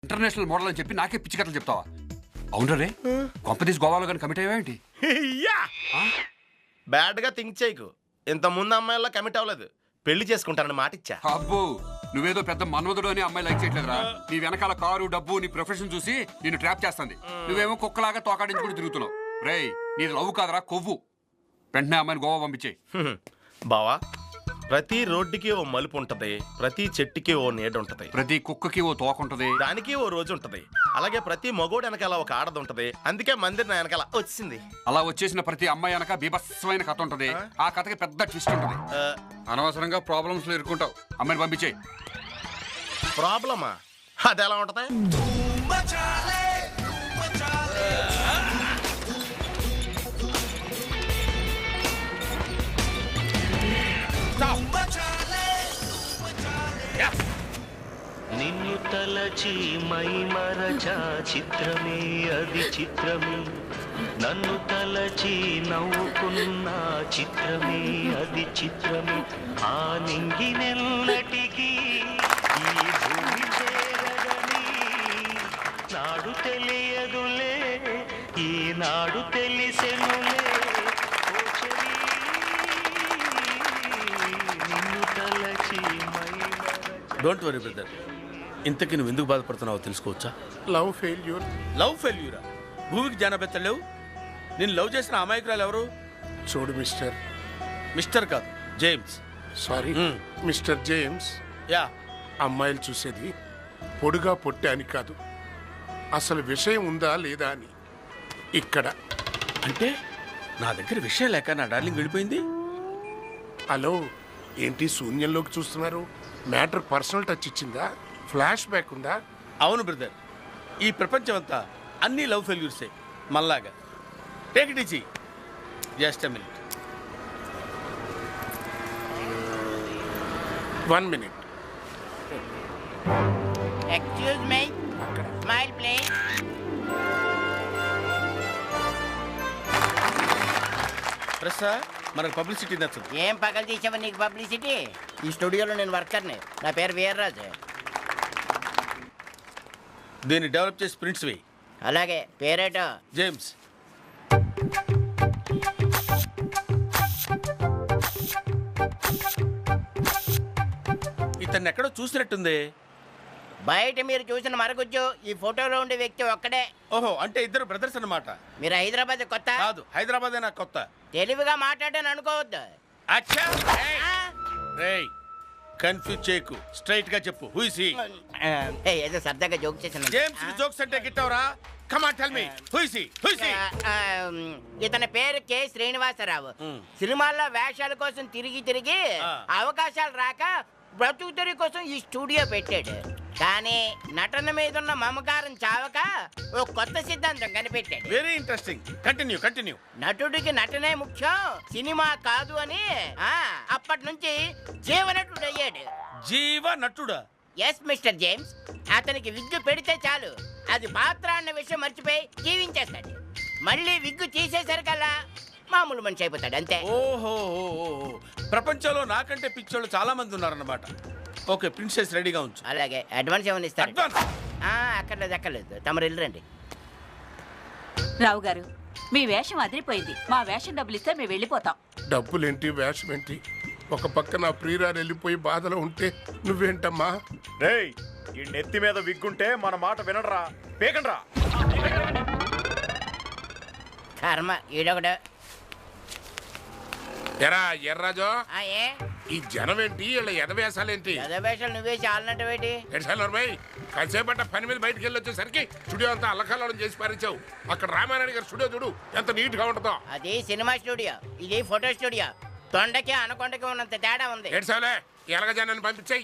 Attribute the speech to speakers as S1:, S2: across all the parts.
S1: International model అని చెప్పి నాకే పిచ్చి కథలు చెప్తావా? అవును రే, కొంపదీస్ గోవాలో కానీ కమిట్ అయ్యావేంటి?
S2: బ్యాడ్ గా థింక్ చేయకు. ఇంత ముందు అమ్మాయిలా కమిట్ అవ్వలేదు, పెళ్లి చేసుకుంటానని మాట ఇచ్చా.
S1: అబ్బో, నువ్వేదో పెద్ద మన్మధుడు అని అమ్మాయి లైక్ చేయట్లేదురా. నీ వెనకాల కారు, డబ్బు, నీ ప్రొఫెషన్ చూసి నిన్ను ట్రాప్ చేస్తుంది. నువ్వేమో కుక్కలాగా తోకాడించుకుని తిరుగుతున్నావు. రేయ్, నీది లవ్ కాదరా, కొవ్వు. వెంటనే అమ్మాయిని గోవా పంపించేయి.
S2: బావా, ప్రతి రోడ్డుకి ఓ మలుపు ఉంటది, ప్రతి చెట్టుకి ఓ నీడ ఉంటది,
S1: ప్రతి కుక్కకి ఓ తోక ఉంటది,
S2: దానికి ఓ రోజు ఉంటది. అలాగే ప్రతి మగోడు వెనకాల ఒక ఆడది ఉంటది. అందుకే మందిర్ నా వెనకాల వచ్చింది.
S1: అలా వచ్చేసిన ప్రతి అమ్మాయి వెనక బీభత్సమైన కథ ఉంటది. ఆ కథకి పెద్ద ట్విస్ట్ ఉంటది. అనవసరంగా ప్రాబ్లమ్స్ లో ఇరుక్కుంటావు. అమ్మాయిని పంపించేయి.
S2: ప్రాబ్లమా? అది ఎలా ఉంటది?
S3: నిన్ను తలచి మై మరచా చిత్రమే అది చిత్రమే, నన్ను తలచి నవ్వుకున్న చిత్రమే అది చిత్రమే. ఆ నింగినెల్లటికి ఈ భూమి చేరదని నాడు తెలియదులే, ఈనాడు తెలిసెనులే. నిన్ను తలచి మై
S4: డోంట్ వరీ బ్రదర్. ఇంతకీ నువ్వు ఎందుకు బాధపడుతున్నావో తెలుసుకోవచ్చా?
S5: Love failure.
S4: లవ్ ఫెయిల్యూరా? భూమికి జానబెత్తలేవు. నేను లవ్ చేసిన అమాయకురాలు ఎవరు?
S5: చూడు మిస్టర్.
S4: మిస్టర్ కాదు, James.
S5: Sorry mister James.
S4: Yeah,
S5: అమ్మాయిలు చూసేది పొడుగా పొట్టే అని కాదు, అసలు విషయం ఉందా లేదా అని. ఇక్కడ
S4: అంటే నా దగ్గర విషయం లేక నా డార్లింగ్ వెళ్ళిపోయింది.
S5: హలో, ఏంటి శూన్యంలోకి చూస్తున్నారు? మ్యాటర్ పర్సనల్ టచ్ ఇచ్చిందా? ఫ్లాష్ బ్యాక్ ఉందా?
S4: అవును బ్రదర్, ఈ ప్రపంచం అంతా అన్ని లవ్ ఫెయిల్యూర్సే మళ్ళాగా. Take it easy, just a minute.
S5: 1 minute.
S6: Excuse me. Smile, please.
S4: ప్రసా, మనకు పబ్లిసిటీ నచ్చదు.
S6: ఏం పగలు తీసావా నీకు పబ్లిసిటీ? ఈ స్టూడియోలో నేను వర్కర్ని. నా పేరు వీర్రాజు.
S4: దీన్ని డెవలప్ చేసి ప్రింట్స్ వేయి.
S6: అలాగే, పేరేటో?
S4: జేమ్స్. ఇతన్ని ఎక్కడో చూసినట్టుంది.
S6: బయట మీరు చూసిన మరగుజ్జు ఈ ఫోటోలో ఉండే వ్యక్తి ఒక్కడే.
S4: ఓహో, అంటే ఇద్దరు బ్రదర్స్ అన్నమాట.
S6: మీరు హైదరాబాద్ కొత్త?
S4: కాదు, హైదరాబాదే నాకు కొత్త.
S6: తెలివిగా మాట్లాడాను అనుకోవద్దు.
S4: అచ్చా, రేయ్ కన్ఫ్యూజ్ చేయకు, స్ట్రైట్ గా చెప్పు. Who is he?
S6: ఏదో సరదాగా జోక్ చేశాను.
S4: జేమ్స్ కి జోక్స్ అంటే గిట్టవరా? Come on tell me, who is he? Who is he?
S6: ఇతని పేరు కె శ్రీనివాసరావు. సినిమాల్లో వేషాల కోసం తిరిగి తిరిగి అవకాశాలు రాక బ్రతుకు తెరి కోసం ఈ స్టూడియో పెట్టాడు. కానీ నటన మీద ఉన్న మమకారం చావక ఓ కొత్త సిద్ధాంతం కనిపెట్టాడు.
S4: Very interesting. Continue continue.
S6: నటుడికి నటనే ముఖ్యం, సినిమా కాదు అని అప్పటి నుంచి జీవనటుడు అయ్యాడు.
S4: జీవ నటుడా?
S6: Yes mister James. అతనికి విగ్గు పెడితే చాలు, అది పాత్ర అన్న విషయం మర్చిపోయి జీవించేస్తాడు. మళ్ళీ విగ్గు తీసేసరికల్లా మామూలు మనిషి అయిపోతాడు, అంతే.
S4: ఓహో, ప్రపంచంలో నాకంటే పిచ్చోళ్ళు చాలా మంది ఉన్నారన్నమాట. ఓకే, ప్రిన్సెస్ రెడీగా ఉంచు.
S6: అలాగే, అడ్వాన్స్ ఏమైనా ఇస్తారు?
S4: అడ్వాన్స్?
S6: అక్కర్లేదు, తమరు వెళ్ళరండి.
S7: రావు గారు, మీ వేషం అదిరిపోయింది. మా వేషం డబ్బులు ఇస్తే మేము వెళ్ళిపోతాం.
S5: డబ్బులేంటి, వేషం ఏంటి? ఒక పక్క నా ప్రియురాలు వెళ్ళిపోయి బాధలో ఉంటే నువ్వేంటమ్మా?
S8: రేయ్, ఈ నెత్తి మీద విగ్గుంటే మన మాట వినడరా, పేకండ్రా.
S6: కర్మ, ఈడొకడు.
S5: ఎరా ఎర్రాజో,
S6: ఏ
S5: ఈ జనం ఏంటి? వీళ్ళ ఎదవేశాలేంటి?
S6: వేషాలు నువ్వేసి ఆలనట్టేటి?
S5: కాసేపట్ట పని మీద బయటకు వెళ్ళి వచ్చేసరికి స్టూడియో అంతా అల్లకల్లోలం చేసి పారించావు. అక్కడ రామారాయణ గారి స్టూడియో చూడు ఎంత నీట్ గా ఉంటుందో.
S6: అది సినిమా స్టూడియో, ఇది ఫోటో స్టూడియో. తొండకి అనకొండకి ఉన్నంత తేడా ఉంది.
S5: ఏడ్చావులే, ఎలాగ జనాన్ని పంపించాయి.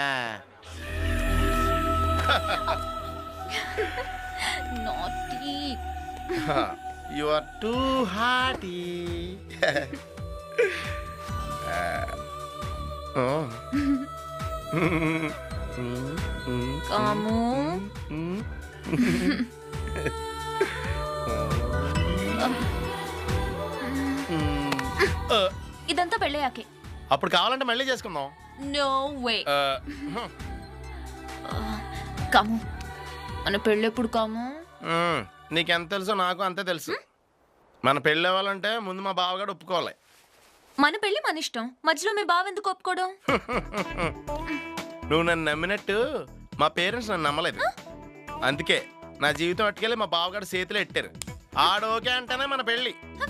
S2: You are too hearty.
S7: Kamu, ఇదంతా పెళ్ళయ్యాకే.
S2: అప్పుడు కావాలంటే మళ్ళీ చేసుకుందాం.
S7: No way. కము,
S9: మన పెళ్ళెప్పుడు కాము?
S2: నీకెంత తెలుసో నాకు అంతే తెలుసు. మన పెళ్ళి అవ్వాలంటే ముందు మా బావగాడు ఒప్పుకోవాలి.
S9: మన పెళ్ళి మన ఇష్టం, మధ్యలో మీ బావ ఎందుకు ఒప్పుకోవడం?
S2: నువ్వు నన్ను నమ్మినట్టు మా పేరెంట్స్ నన్ను నమ్మలేదు. అందుకే నా జీవితం అట్టుకెళ్ళి మా బావగాడు చేతిలో ఎట్టారు. ఆడోకే అంటేనే మన పెళ్ళి.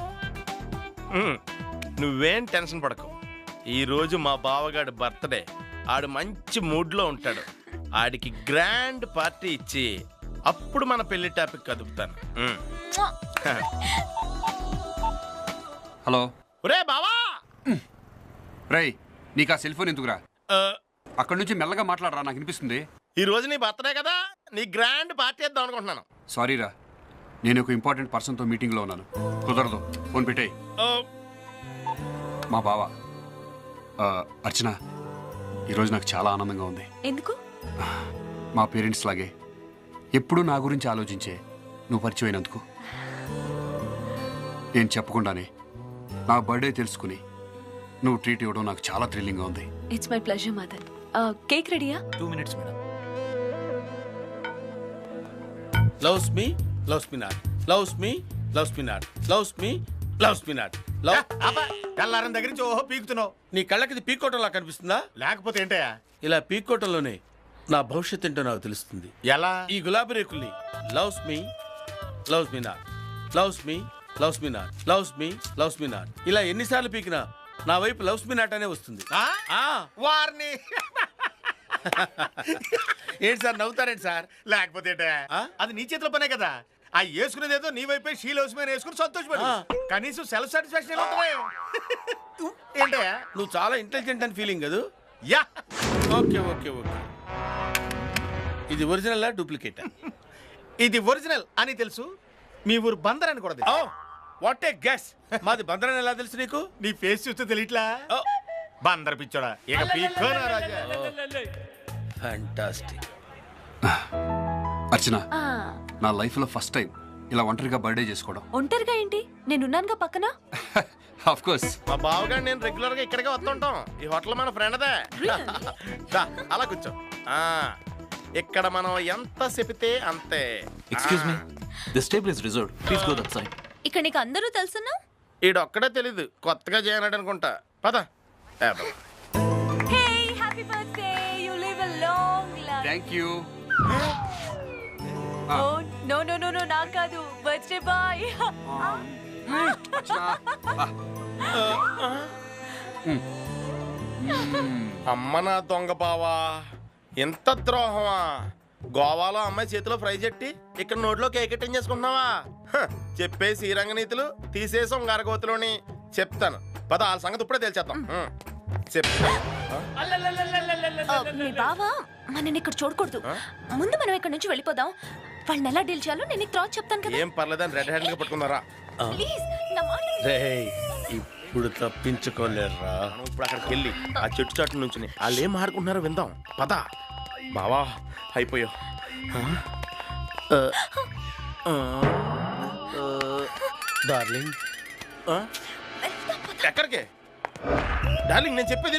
S2: నువ్వేం టెన్షన్ పడకు. ఈరోజు మా బావగాడు బర్త్డే. ఆడు మంచి మూడ్లో ఉంటాడు. ఆడికి గ్రాండ్ పార్టీ ఇచ్చి అప్పుడు మన పెళ్లి టాపిక్ కదుపుతాను.
S1: హలో
S2: ఒరే బావా.
S1: రేయ్, నీకు ఆ సెల్ ఫోన్ ఎందుకురా? అక్కడి నుంచి మెల్లగా మాట్లాడరా, నాకు వినిపిస్తుంది.
S2: ఈ రోజు నీ బర్త్డే కదా, నీ గ్రాండ్ పార్టీ ఇద్దాం అనుకుంటున్నాను.
S1: సారీరా, నేను ఒక ఇంపార్టెంట్ పర్సన్తో మీటింగ్లో ఉన్నాను. కుదరదు, ఫోన్ పెట్టేయ్. మా బావ అర్చన, ఈరోజు నాకు చాలా ఆనందంగా ఉంది.
S9: ఎందుకు?
S1: మా పేరెంట్స్ లాగే ఎప్పుడూ నా గురించి ఆలోచించే నువ్వు పరిచయం అయినందుకు. నేను చెప్పకుండానే నా బర్త్డే తెలుసుకుని నువ్వు ట్రీట్ ఇవ్వడం నాకు చాలా థ్రిల్లింగ్గా ఉంది.
S9: It's my pleasure Madan. Cake రెడీయా?
S8: 2 minutes madam.
S4: Loves me loves me not, loves me loves me not, loves me loves me not. Love
S8: తెల్లారం దగ్గర నుంచి ఓహో పీకుతున్నావు.
S4: నీ కళ్ళకి పీకోవటంలా కనిపిస్తుందా?
S8: లేకపోతే ఏంటయ్యా?
S4: ఇలా పీకోవటంలోనే నా భవిష్యత్ ఏంటో నాకు తెలుస్తుంది.
S8: ఎలా?
S4: ఈ గులాబీ రేకుల్ని loves me loves me not, loves me loves me not, loves me loves me not ఇలా ఎన్నిసార్లు పీకినా నా వైపు లవ్స్ మీ నాట్ అనే వస్తుంది.
S8: వారిని
S4: ఏంటి సార్ నవ్వుతారేంటి సార్?
S8: లేకపోతే ఏంటయ్యా? అది నీ చేతిలో పనే కదా. ఆ వేసుకునేది ఏదో నీ వైపే షీలోస్మని వేసుకుని సంతోషపడు. కనీసం సెల్ఫ్ సాటిస్ఫాక్షన్ ఏంటయ్యా?
S4: నువ్వు చాలా ఇంటెలిజెంట్ అని ఫీలింగ్ కదా.
S8: Yeah,
S4: okay okay okay. ఇది ఒరిజినల్ డూప్లికేట్?
S8: ఇది ఒరిజినల్ అని తెలుసు. మీ ఊరు బందర్ అని కూడా తెలుసు.
S4: What a guess. మాది బందరని ఎలా తెలుసు నీకు?
S8: నీ ఫేస్ చూస్తే తెలియట్లా? బందర్ పిచ్చోడా, ఇక పీక్కోనా రాజా.
S4: ఫ్యాంటాస్టిక్.
S1: అర్చన, నా లైఫ్లో ఫస్ట్ టైం ఇలా ఒంటరిగా బర్త్డే చేసుకోవడం.
S9: ఒంటరిగా ఏంటి? నేనున్నానుగా పక్కన.
S1: Of course.
S2: మా బావగాడు నేను రెగ్యులర్ గా ఇక్కడికే వస్తుంటాం. ఈ హోటల్ మన ఫ్రెండ్దే. అలా కూర్చో. ఇక్కడ మనం ఎంత చెపితే అంతే.
S3: Excuse me, this table is reserved. Please go that side.
S9: ఇక్కడ నీకు అందరూ తెలుసున్నా?
S2: ఈడొక్కడే తెలీదు, కొత్తగా చేయనాడు అనుకుంటా. పద.
S9: Hey, happy birthday. You live a long life.
S1: Thank you.
S9: Oh no no no no, నాకు కాదు, బర్త్డే బాయ్.
S2: అమ్మ నా దొంగ బావా, ఎంత ద్రోహమా! గోవాలో అమ్మాయి చేతిలో ఫ్రై చెట్టి ఇక్కడ నోట్లో కేక్ చేసుకుంటున్నావా? చెప్పే శ్రీరంగ నీతులు తీసేసాం గరగోతులోని. చెప్తాను పద, వాళ్ళ సంగతి ఇప్పుడే తెలిచేద్దాం. చెప్తా.
S9: మీ బావ మనని ఇక్కడ చూడకూడదు. ముందు మనం ఇక్కడ నుంచి వెళ్ళిపోదాం. వాళ్ళని ఎలా డీల్ చేయాలో నేను తర్వాత చెప్తాను కదా.
S2: ఏం పర్లేదని రెడ్ హ్యాండ్ గా పట్టుకున్నారా?
S9: ప్లీజ్ నా మాట
S4: రేయ్, ఇప్పుడు తప్పించుకోలేరా.
S2: మనం ఇప్పుడు అక్కడికి వెళ్ళి ఆ చెట్టు చాటు నుంచి వాళ్ళు ఏం ఆడుకుంటున్నారో విందాం. పద బావా, అయిపోయావు.
S4: డార్లింగ్.
S2: ఎక్కడికే డార్లింగ్? నేను చెప్పేది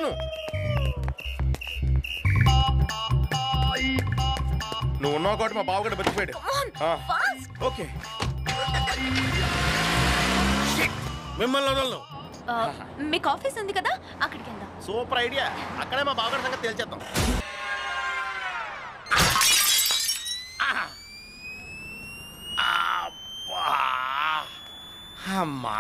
S2: నువ్వు ఉన్నావు కాబట్టి మా బావగడ బతికిపోయాడు. ఓకే,
S4: మిమ్మల్ని వదలను.
S9: మీకు ఆఫీస్ ఉంది కదా, అక్కడికి వెళ్దాం.
S2: Super idea. అక్కడే మా బావగడ సంగతి తేల్చేద్దాం.
S4: అమ్మా,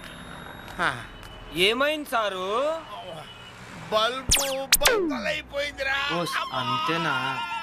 S10: ఏమైంది సారు?
S4: బల్బు బద్దలైపోయిందిరా.
S10: అంతేనా?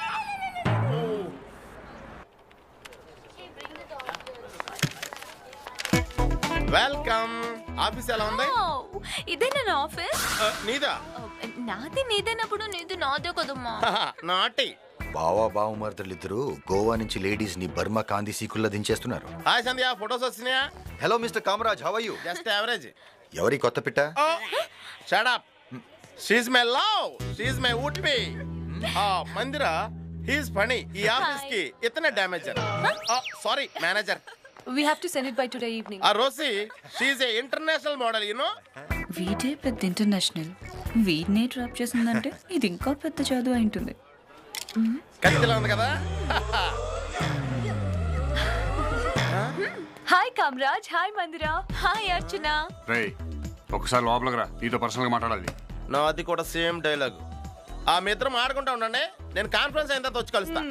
S2: వెల్కమ్. ఆఫీస్ ఎలా ఉంది?
S9: ఇదే నా ఆఫీస్.
S2: నీదా?
S9: నాది నీదేనప్పుడు నీది నాదే కదమ్మా.
S2: నాటి
S11: బావా బావమర్దలిద్దరూ గోవా నుంచి లేడీస్ ని బర్మా కాంతి సీకుల్లా దించేస్తున్నారు.
S2: హాయ్ సంధ్య, ఫొటోస్ వచ్చినాయా?
S11: Hello mister Kamaraj, how are you?
S2: Just average.
S11: ఎవరి కొత్త పిట్ట?
S2: Shut up. She's my love, she's my would be. Mandira, he's funny. ఈ ఆఫీస్ కి ఇతనే damager. Sorry manager.
S9: We have to send it by today evening.
S2: Rosie, she's a international model, you know.
S7: వీడే పెద్ద international. వీడినే drop చేసిందంటే ఇది ఇంకా పెద్ద చదువు అయింటుంది.
S2: కత్తిలా ఉంది కదా.
S9: Hi Kamaraj, hi Mandira, hi Archana.
S1: రేయ్ ఒకసారి లోపలికి రా, నీతో పర్సనల్ గా మాట్లాడాలి.
S2: నాది కూడా సేమ్ డైలాగ్. ఆ మీ ఇద్దరం ఆడుకుంటా ఉండండి, నేను కాన్ఫరెన్స్ అయిన తర్వాత వచ్చి కలుస్తా.